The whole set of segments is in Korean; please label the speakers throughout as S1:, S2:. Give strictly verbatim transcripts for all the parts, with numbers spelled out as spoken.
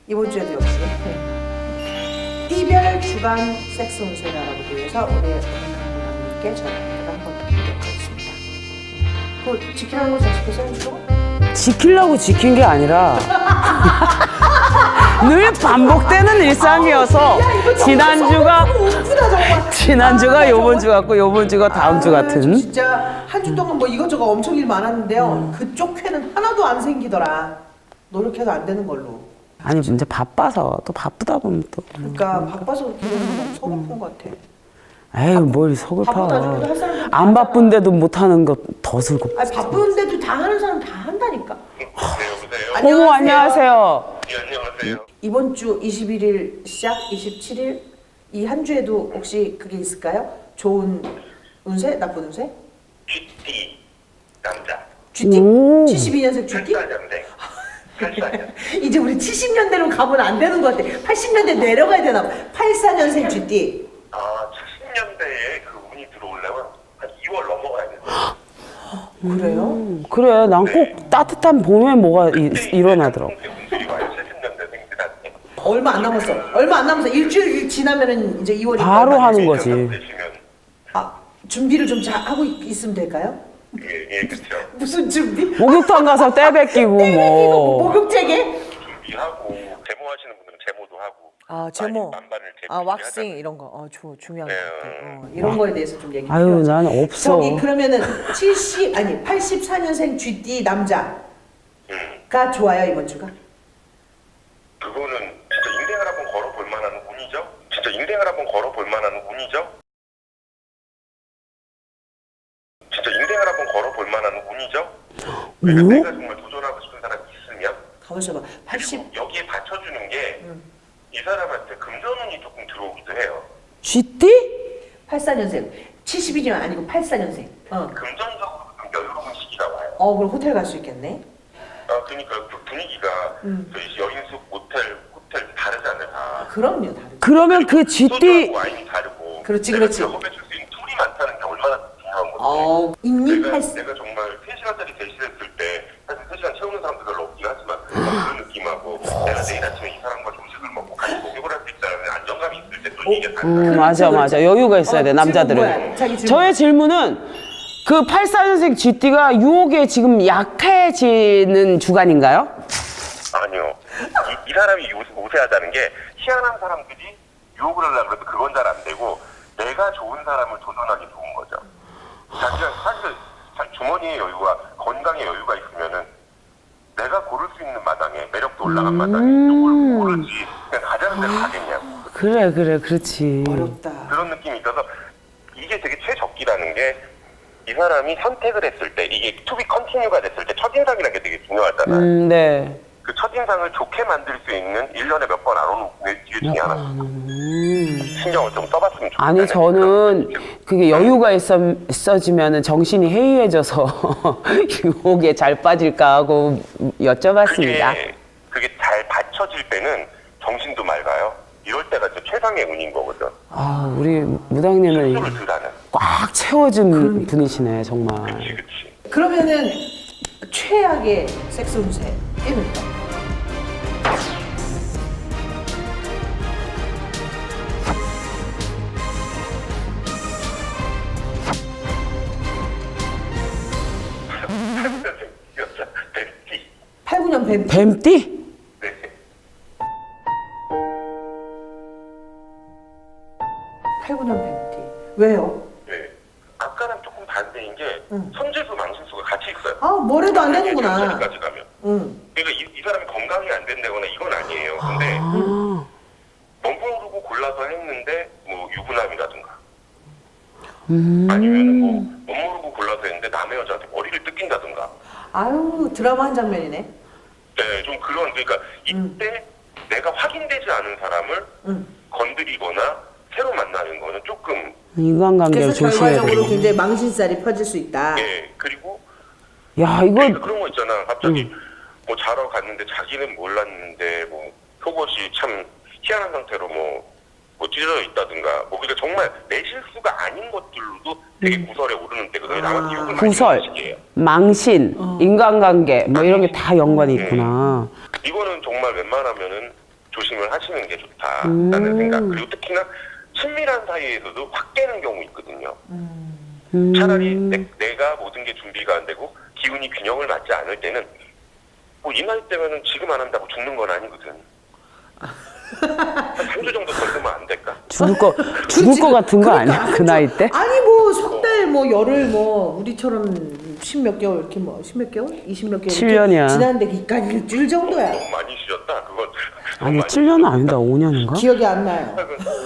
S1: 이번 주에도 역시 띠별 주간 섹스 운세를 알아보기 위해서 우리 강님께 전화를 한번 드리도록 하겠습니다. 그 지키라는 거 잘 지켰어요, 주로?
S2: 지키려고 지킨 게 아니라 늘 반복되는 일상이어서 지난주가 지난주가 요번 주 같고 요번 주가 다음 주
S1: 아,
S2: 같은.
S1: 진짜 한 주 동안 뭐 이것저것 엄청 일 많았는데요. 음. 그쪽 회는 하나도 안 생기더라. 노력해도 안 되는 걸로.
S2: 아니 이제 바빠서 또 바쁘다 보면 또.
S1: 그러니까 바빠서 그렇게 되는 건 서글픈 것 같아.
S2: 에이 뭘 서글파.
S1: 바쁘다 죽어도 할 사람들 다
S2: 안 바쁜데도 못하는 거 더 슬고.
S1: 아니 바쁜데도 다 하는 사람 다 한다니까.
S3: 네, 여보세요?
S2: 어머 안녕하세요.
S3: 네, 안녕하세요.
S1: 이번 주 이십일 일 시작 이십칠 일 이 한 주에도 혹시 그게 있을까요? 좋은 운세, 나쁜 운세?
S3: 쥐띠 남자.
S1: 쥐띠?
S2: 오.
S1: 칠십이 년생 쥐띠?
S3: 팔 년생. 팔사 년.
S1: 이제 우리 칠십 년대로 가면 안 되는 것 같아. 팔십 년대 내려가야 되나 봐. 팔십사 년생 쥐띠.
S3: 아, 칠십 년대에 그 운이 들어오려면 한 이월 넘어가야 돼요.
S1: 그래요?
S2: 음, 그래 난 꼭 따뜻한 봄에 뭐가 이, 일어나더라고.
S3: 운들이 와요. 칠십 년대생들한테.
S1: 얼마 안 남았어. 얼마 안 남았어. 일주일 지나면은 이제 이월이
S2: 바로 하는 거지.
S3: 되시면
S1: 아, 준비를 좀 잘 하고 있, 있으면 될까요?
S3: 예, 예, 그렇죠.
S1: 무슨 준비?
S2: 목욕탕 가서 때 뱉기고
S1: 이거
S2: 뭐.
S1: 목욕제게?
S3: 준비하고 제모 하시는 분들은 제모도 하고.
S1: 아 제모.
S3: 만반을 제모
S1: 아 왁싱 이런 거. 어, 주, 중요한 것
S3: 네.
S1: 같아. 어, 이런 거에 대해서 좀 얘기.
S2: 아유
S1: 필요하죠.
S2: 난 없어.
S1: 저기 그러면은 칠십 아니 팔십사 년생 쥐띠 남자가
S3: 음,
S1: 좋아요 이번 주가?
S3: 그거는 진짜 인생을 한번 걸어볼 만한 운이죠. 진짜 인생을 한번 걸어볼 만한 운이죠. 진짜 인생을 한번 걸어볼 만한 운이죠. 그러니까
S2: 오?
S3: 내가 정말 도전하고 싶은 사람이 있으면
S1: 가만있어 봐. 팔십
S3: 그리고 여기에 받쳐주는 게 이 사람한테 금전운이 조금 들어오기도 해요.
S2: 쥐띠?
S1: 팔십사 년생. 칠십이 년 아니고 팔십사 년생. 어.
S3: 금전적으로 좀 여유로운 시기가 와요.
S1: 어 그럼 호텔 갈 수 있겠네.
S3: 아, 그러니까 그 분위기가
S1: 음.
S3: 저희 여인숙 모텔 호텔 다르잖아요. 다.
S1: 그럼요 다르죠.
S2: 그러면 그 쥐띠
S3: 소주하고 와인이 다르고.
S1: 그렇지,
S3: 내가
S1: 그렇지.
S3: 경험해 줄 수 있는 툴이 많다는 게 얼마나 중요한 건데.
S1: 어 있니?
S3: 내가,
S1: 팔십.
S3: 내가 정말 세 시간짜리 대시했을 때 사실 세 시간 채우는 사람도 별로 없긴 하지만 그런 느낌하고 내가 내일 아침에 이 사람과 점심을 먹고 같이 목욕을 할 수 있다는 안정감이 있을 때 또 이게 다르다.
S2: 음, 맞아 맞아 여유가 있어야 돼
S1: 어,
S2: 남자들은.
S1: 질문 뭐야? 자기 질문.
S2: 저의 질문은 그 팔십사 년생 쥐띠가 유혹에 지금 약해지는 주간인가요?
S3: 아니요. 이, 이 사람이 요, 우세하다는 게 희한한 사람들이 유혹을 하려고 해도 그건 잘 안 되고 내가 좋은 사람을 도전하기 좋은 거죠. 자기가 사실 자- 주머니에 여유가 건강에 여유가 있으면은 내가 고를 수 있는 마당에 매력도 올라간 마당에 누굴 고르지 그냥 가자는 대로 가겠냐고
S2: 그래 그래 그렇지.
S1: 어렵다.
S3: 그런 느낌이 있어서 이게 되게 최적기라는 게 이 사람이 선택을 했을 때 이게 투비 컨티뉴가 됐을 때 첫인상이라는 게 되게 중요하잖아요.
S2: 음, 네.
S3: 그 첫인상을 좋게 만들 수 있는 일 년에 몇 번 안 오는 기회 중에 하나.
S2: 음.
S3: 신경을 좀 써봤으면 좋겠다.
S2: 아니 저는 그게 여유가 있어, 있어지면 정신이 해이해져서 유혹에 잘 빠질까 하고 여쭤봤습니다.
S3: 그게, 그게 잘 받쳐질 때는 정신도 맑아요. 이럴 때가 진짜 최상의 운인 거거든.
S2: 아 우리 무당님은
S3: 스스로를 덜하는.
S2: 꽉 채워진 분이시네 정말.
S3: 그치, 그치.
S1: 그러면은 최악의 섹스 운세 띠는
S3: 여자, 뱀띠.
S1: 팔십구 년 뱀.
S2: 뱀띠?
S3: 네.
S1: 팔십구 년 뱀띠. 왜요?
S3: 네. 아까랑 조금 반대인 게
S1: 응.
S3: 선재수 망신수가 같이 있어요.
S1: 아 뭐래도 안 되는구나.
S3: 까지 가면.
S1: 응.
S3: 그러니까 이, 이 사람이 건강이 안 된다거나 이건 아니에요. 근데
S2: 아,
S3: 멋모르고 골라서 했는데 뭐 유부남이라든가
S2: 음.
S3: 아니면 뭐 멋모르고 골라서 했는데 남의 여자한테 머리를 뜯긴다든가.
S1: 아유 드라마 한 장면이네.
S3: 네, 좀 그런 그러니까 이때 내가 확인되지 않은 사람을
S1: 응.
S3: 건드리거나 새로 만나는 거는 조금
S2: 인간관계를
S1: 그래서
S2: 조심해야
S1: 결과적으로
S2: 돼.
S1: 굉장히 망신살이 펴질 수 있다.
S3: 예 그리고
S2: 야
S3: 그러니까
S2: 이거
S3: 그런 거 있잖아. 갑자기 뭐 자러 갔는데 자기는 몰랐는데 뭐 속옷이 참 희한한 상태로 뭐, 뭐 찢어져 있다든가 뭐 그러니까 정말 내 실수가 아닌 것들로도 되게 구설에 오르는 때 그게 남한테 욕을 많이
S2: 구설,
S3: 하는 시기예요.
S2: 망신, 인간관계 뭐 이런 게 다 연관이 있구나.
S3: 이거는 정말 웬만하면은 조심을 하시는 게 좋다라는
S2: 음.
S3: 생각. 그리고 특히나 친밀한 사이에서도 확 깨는 경우 있거든요.
S2: 음.
S3: 차라리 내, 내가 모든 게 준비가 안 되고 기운이 균형을 맞지 않을 때는 뭐 이 나이 때면은 지금 안 한다고 죽는 건 아니거든. 한 삼 주 정도 더 있으면 안 될까?
S2: 죽을 거 죽을 거 같은 거 아니야? 그 나이 때?
S1: 아니 뭐 석 달 뭐 열흘 뭐 우리처럼 십몇 개월 이렇게 뭐 십몇 개월 이십 몇 개월
S2: 칠 년이야.
S1: 지났는데 이까지 일주일 정도야.
S3: 너무 많이 쉬었다. 그건 너무
S2: 아니
S3: 많이
S2: 칠 년은 아니다. 오 년인가?
S1: 기억이 안 나요.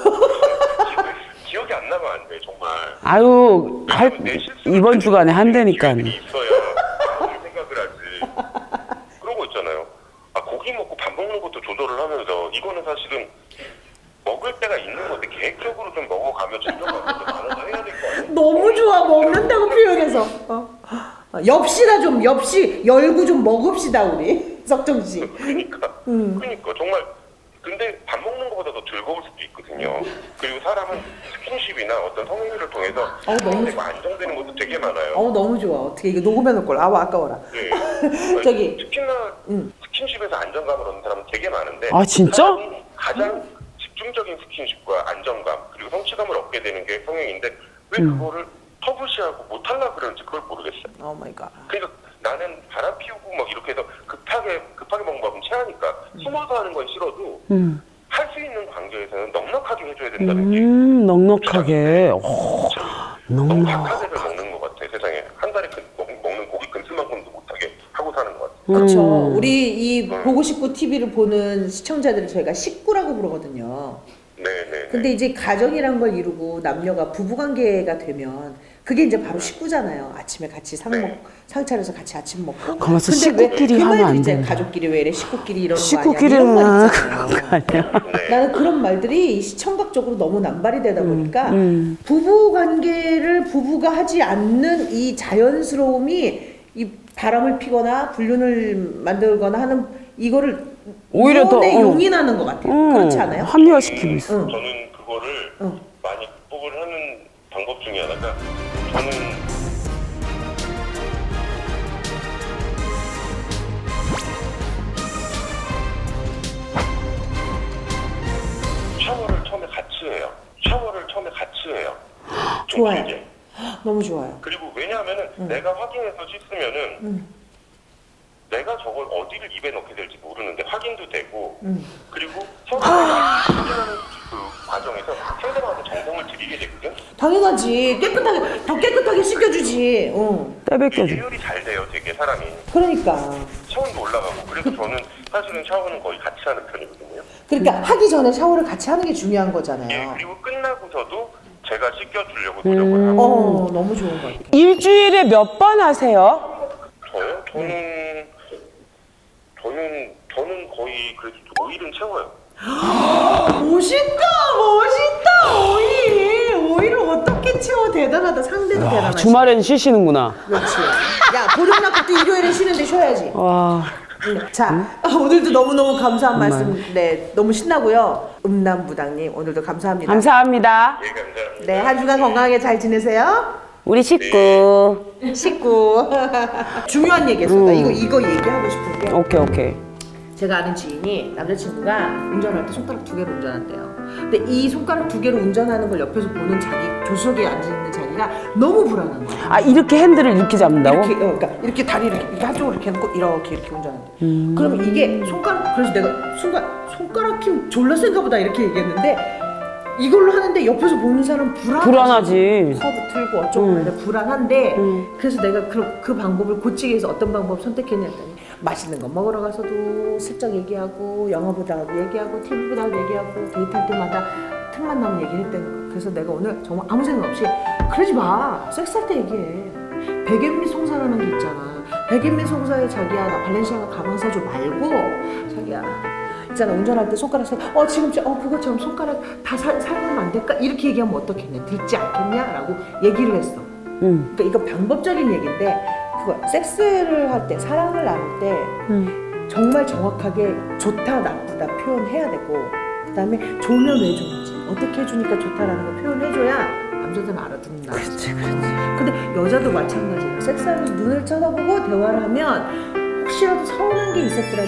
S3: 기- 기억이 안 나면 안 돼 정말.
S2: 아유 할,
S3: 왜냐면 내 실수를
S2: 이번 주간에 한다니까.
S3: 기회들이 있어야 아무 생각을 하지. 그런 거 있잖아요. 아 고기 먹고 밥 먹는 것도 조절을 하면서 이거는 사실은 먹을 때가 있는 건데 계획적으로 좀 먹어가며 즐겨가면서 나눠서 해야 될 거 아니에요?
S1: 너무 좋아 먹는다고 표현해서. 어. 어, 엽시다 좀 엽시 열고 좀 먹읍시다 우리 석정 씨.
S3: 그러니까 그러니까 정말 근데 밥 먹는 것보다 더 즐거울 수도 있거든요. 그리고 사람은 스킨십이나 어떤 성행위를 통해서
S1: 어우, 너무
S3: 되고 안정되는 것도 되게 많아요.
S1: 어 너무 좋아. 어떻게 이거 녹음해 놓을 걸. 아우 아까워라.
S3: 네.
S1: 저기.
S3: 특히나
S1: 응.
S3: 스킨십에서 안정감을 얻는 사람은 되게 많은데
S2: 아, 진짜?
S3: 사람이 가장 집중적인 스킨십과 안정감 그리고 성취감을 얻게 되는 게 성형인데 왜
S2: 음.
S3: 그거를 터부시하고 못하려고 그러는지 그걸 모르겠어요.
S1: 오 마이 갓.
S3: 그러니까 나는 바람 피우고 막 이렇게 해서 급하게 급하게 먹는 법은 체하니까 숨어서 하는 건 싫어도
S2: 음.
S3: 할 수 있는 관계에서는 넉넉하게 해줘야 된다는 게
S2: 음 넉넉하게. 오,
S3: 너무
S2: 넉넉.
S3: 박하게를 먹는 것 같아. 세상에 한 달에 그, 먹, 먹는 고기 근수만큼도 못하게 하고 사는 것 같아.
S1: 그렇죠.
S2: 음.
S1: 우리 이 보고 싶고 티비를 보는 시청자들을 저희가 식구라고 부르거든요.
S3: 네네.
S1: 근데 이제 가정이란 걸 이루고 남녀가 부부관계가 되면 그게 이제 바로 식구잖아요. 아침에 같이 상 먹, 상 차려서 같이 아침 먹고.
S2: 가만있어,
S1: 근데 왜
S2: 식구끼리
S1: 그
S2: 하면
S1: 말도
S2: 안
S1: 있잖아요.
S2: 되는데.
S1: 가족끼리 왜 이래 식구끼리 이러는 거 아니야.
S2: 식구끼리는
S1: 이런 말
S2: 아,
S1: 있잖아요.
S2: 그런 거 아니야?
S3: 네.
S1: 나는 그런 말들이 시청각적으로 너무 남발이 되다 보니까
S2: 음.
S1: 부부 관계를 부부가 하지 않는 이 자연스러움이 이 바람을 피거나 불륜을 만들거나 하는 이거를
S2: 오히려 더,
S1: 이혼에
S2: 어.
S1: 용인하는 것 같아요.
S2: 음,
S1: 그렇지 않아요?
S2: 합리화시키고 있어.
S1: 응.
S3: 저는 그거를
S1: 응.
S3: 많이 극복을 하는 방법 중에 하나가 저는 샤워를 처음에 같이 해요. 샤워를 처음에 같이 해요. 좀
S1: 좋아요.
S3: 길게.
S1: 너무 좋아요.
S3: 그리고 왜냐하면은 내가 확인해서 씻으면은
S1: 음.
S3: 내가 저걸 어디를 입에 넣게 될지 모르는데 확인도 되고
S1: 음.
S3: 그리고 서로가 확인하는 그 과정에서 상대방한테 정성을 들이게 되거든.
S1: 당연하지. 깨끗하게 더 깨끗하게 씻겨주지. 응.
S2: 떼백겨줘.
S3: 예열이 잘 돼요, 되게 사람이.
S1: 그러니까.
S3: 차원도 올라가고 그래서 저는 사실은 샤워는 거의 같이 하는 편이거든요.
S1: 그러니까 하기 전에 샤워를 같이 하는 게 중요한
S3: 예,
S1: 거잖아요.
S3: 그리고 끝나고서도 제가 씻겨주려고 노력을 하고
S1: 어, 너무 좋은 것 같아요.
S2: 일주일에 몇 번 하세요?
S3: 저요? 저는 저는 저는 거의 그래도 오 일은 채워요.
S1: 멋있다, 멋있다. 오이, 오이를 어떻게 채워? 대단하다. 상대도 대단하지.
S2: 주말엔 쉬시는구나.
S1: 그렇지. 야, 보름 낳고 또 일요일에 쉬는데 쉬어야지.
S2: 와.
S1: 응. 자, 오늘도 너무너무 감사한 말씀, 네, 너무 신나고요. 음남부당님, 오늘도 감사합니다.
S2: 감사합니다.
S3: 예, 감사합니다.
S1: 네, 한 주간 건강하게 잘 지내세요.
S2: 우리 식구.
S1: 식구. 중요한 얘기였어. 나 이거, 이거 얘기하고 싶은 게.
S2: 오케이 오케이.
S1: 제가 아는 지인이 남자친구가 운전할 때 손가락 두 개로 운전한대요. 근데 이 손가락 두 개로 운전하는 걸 옆에서 보는 자기, 조수석에 앉아있는 자기가 너무 불안한 거야.
S2: 아 이렇게 핸들을 이렇게 잡는다고?
S1: 이렇게, 어, 그러니까 이렇게 다리를 이렇게, 이렇게 한쪽으로 이렇게 해놓고 이렇게 이렇게 운전한대. 그러면 이게 손가락, 그래서 내가 순간 손가락 힘 졸라 센가 보다 이렇게 얘기했는데 이걸로 하는데 옆에서 보는 사람 불안하지.
S2: 불안하지.
S1: 커브 틀고 어쩌고
S2: 음.
S1: 하는데 불안한데
S2: 음.
S1: 그래서 내가 그, 그 방법을 고치기 위해서 어떤 방법 선택했냐 했더니 맛있는 거 먹으러 가서도 슬쩍 얘기하고 영화 보다가도 얘기하고 티비 보다가도 얘기하고 데이트할 때마다 틈만 나면 얘기를 했다는 거. 그래서 내가 오늘 정말 아무 생각 없이 그러지 마. 섹스할 때 얘기해. 백엔미 송사라는 게 있잖아. 백엔미 송사에 자기야 나 발렌시아가 가방 사줘 말고 자기야 있잖아 운전할 때 손가락 살, 어 지금 저, 어 그것처럼 손가락 다 살, 살면 안 될까? 이렇게 얘기하면 어떻겠냐? 듣지 않겠냐? 라고 얘기를 했어.
S2: 응.
S1: 그러니까 이거 방법적인 얘기인데 그거 섹스를 할 때 사랑을 나눌 때
S2: 응.
S1: 정말 정확하게 좋다 나쁘다 표현해야 되고 그 다음에 좋으면 왜 좋은지 어떻게 해주니까 좋다라는 걸 표현해줘야 남자들은 알아듣는다.
S2: 그렇지 그렇지.
S1: 근데 여자도 마찬가지예요. 섹스하면서 눈을 쳐다보고 대화를 하면 혹시라도 서운한 게 있었더라도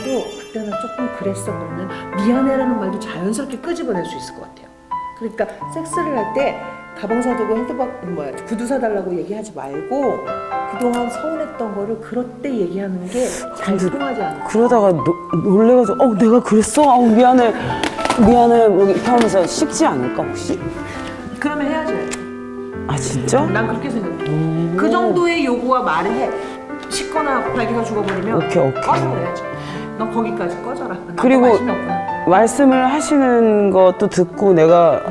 S1: 그때 나 조금 그랬어 그러면 미안해라는 말도 자연스럽게 끄집어낼 수 있을 것 같아요. 그러니까 섹스를 할 때 가방 사두고 핸드박 뭐야 구두 사달라고 얘기하지 말고 그동안 서운했던 거를 그럴 때 얘기하는 게 잘 통하지 않아.
S2: 그러다가 노, 놀래가지고 어 내가 그랬어? 어 미안해 미안해 뭐 이렇게 하면서 식지 않을까 혹시?
S1: 그러면 헤어져야지.
S2: 아 진짜?
S1: 난 그렇게 생각해. 그 정도의 요구와 말을 해. 식거나 발기가 죽어버리면
S2: 오케이, 오케이.
S1: 꺼져야지. 너 거기까지 꺼져라. 난
S2: 그리고
S1: 관심이 없구나.
S2: 말씀을 하시는 것도 듣고 내가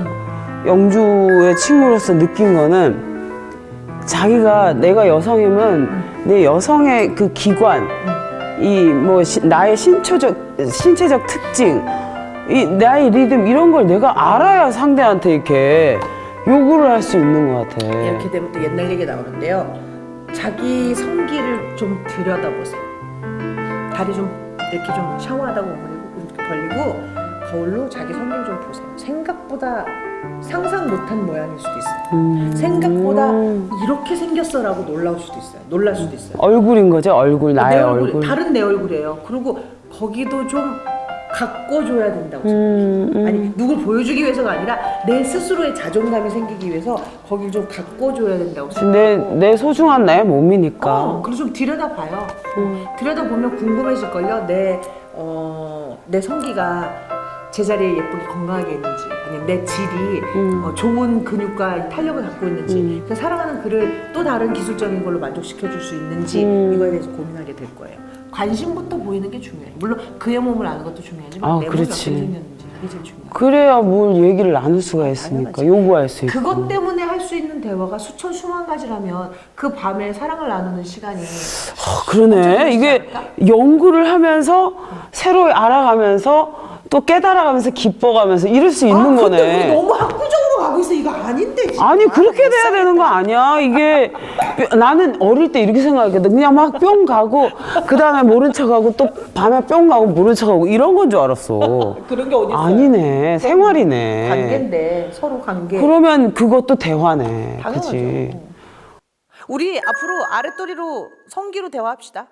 S2: 영주의 친구로서 느낀 거는 자기가 내가 여성이면 내 여성의 그 기관 이 뭐 나의 신체적 신체적 특징 이 나의 리듬 이런 걸 내가 알아야 상대한테 이렇게 요구를 할 수 있는 것 같아.
S1: 이렇게 되면 또 옛날 얘기 나오는데요. 자기 성기를 좀 들여다보세요. 다리 좀 이렇게 좀 샤워하다 보면 이렇게 벌리고 거울로 자기 성기를 좀 보세요. 생각보다 상상 못한 모양일 수도 있어요.
S2: 음.
S1: 생각보다 이렇게 생겼어라고 놀랄 수도 있어요. 놀랄 수도 있어요.
S2: 얼굴인 거죠, 얼굴 나의
S1: 내
S2: 얼굴.
S1: 다른 내 얼굴이에요. 그리고 거기도 좀 가꿔줘야 된다고 생각해요.
S2: 음, 음.
S1: 아니 누굴 보여주기 위해서가 아니라 내 스스로의 자존감이 생기기 위해서 거길 좀 가꿔줘야 된다고
S2: 내,
S1: 생각해요.
S2: 내 소중한 나의 몸이니까.
S1: 어, 그래서 좀 들여다봐요. 들여다보면 궁금해질걸요. 내, 어, 내 성기가 제자리에 예쁘게 건강하게 있는지 아니면 내 질이
S2: 음.
S1: 어, 좋은 근육과 탄력을 갖고 있는지
S2: 음.
S1: 그 사랑하는 그를 또 다른 기술적인 걸로 만족시켜줄 수 있는지
S2: 음.
S1: 이거에 대해서 고민하게 될 거예요. 관심부터 보이는 게 중요해요. 물론 그의 몸을 아는 것도 중요하지만
S2: 아,
S1: 내 몸이 어떻게
S2: 그렇지.
S1: 생겼는지 그게 제일 중요해요.
S2: 그래야 뭘 얘기를 나눌 수가 있으니까
S1: 당연하지.
S2: 요구할 수 있고.
S1: 그것 때문에 할 수 있는 대화가 수천 수만 가지라면 그 밤에 사랑을 나누는 시간이
S2: 아, 그러네. 이게 연구를 하면서 새로 알아가면서 또 깨달아가면서 기뻐가면서 이럴 수 있는
S1: 아, 근데
S2: 거네.
S1: 우리 너무 학구적으로 가고 있어. 이거 아닌데 지금.
S2: 아니 그렇게 돼야 되는 거 아니야. 이게 뿅- 나는 어릴 때 이렇게 생각했거든. 그냥 막 뿅 가고 그 다음에 모른 척하고 또 밤에 뿅 가고 모른 척하고 이런 건 줄 알았어.
S1: 그런 게 어디 있어요?
S2: 아니네. 생활이네.
S1: 관계인데 서로 관계.
S2: 그러면 그것도 대화네.
S1: 당연하죠.
S2: 그치?
S1: 우리 앞으로 아랫도리로 성기로 대화합시다.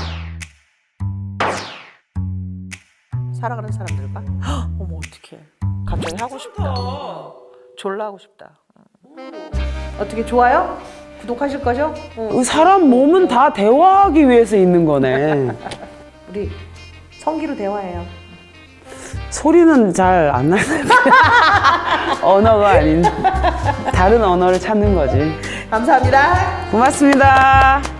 S1: 살아가는 사람들과. 헉, 어머 어떡해. 갑자기 하고 싶다. 졸라 하고 싶다. 어떻게 좋아요? 구독하실 거죠? 어.
S2: 사람 몸은 다 대화하기 위해서 있는 거네.
S1: 우리 성기로 대화해요.
S2: 소리는 잘 안 나는데 언어가 아닌 다른 언어를 찾는 거지.
S1: 감사합니다.
S2: 고맙습니다.